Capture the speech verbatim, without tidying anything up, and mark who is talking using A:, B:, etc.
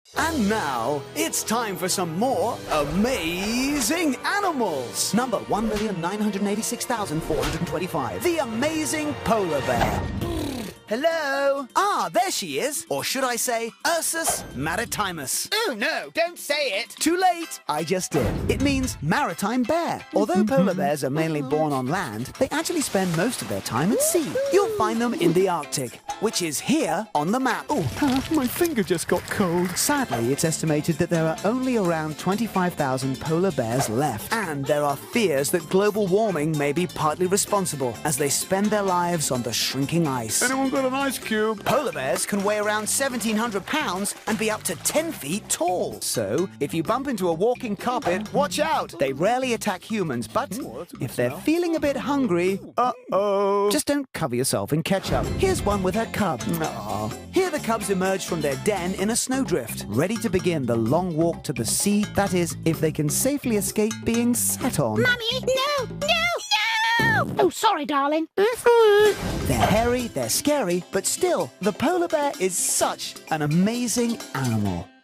A: And now, it's time for some more amazing animals. Number one million nine hundred eighty-six thousand four hundred twenty-five. The amazing polar bear. Hello? Ah, there she is. Or should I say, Ursus maritimus.
B: Oh, no, don't say it.
A: Too late. I just did. It means maritime bear. Although polar bears are mainly born on land, they actually spend most of their time at sea. You'll find them in the Arctic, which is here on the map. Oh, uh, my finger just got cold. Sadly, it's estimated that there are only around twenty-five thousand polar bears left. And there are fears that global warming may be partly responsible as they spend their lives on the shrinking ice.
C: Anyone got an ice cube?
A: Polar bears can weigh around seventeen hundred pounds and be up to ten feet tall. So, if you bump into a walking carpet, watch out. They rarely attack humans, but
C: Ooh, that's a good
A: if they're
C: smell.
A: feeling a bit hungry, uh-oh. Just don't cover yourself in ketchup. Here's one with her cub. Aww. Here the cubs emerge from their den in a snowdrift, ready to begin the long walk to the sea. That is, if they can safely escape being sat on.
D: Mummy, no, no, no! Oh, sorry, darling.
A: They're hairy, they're scary, but still, the polar bear is such an amazing animal.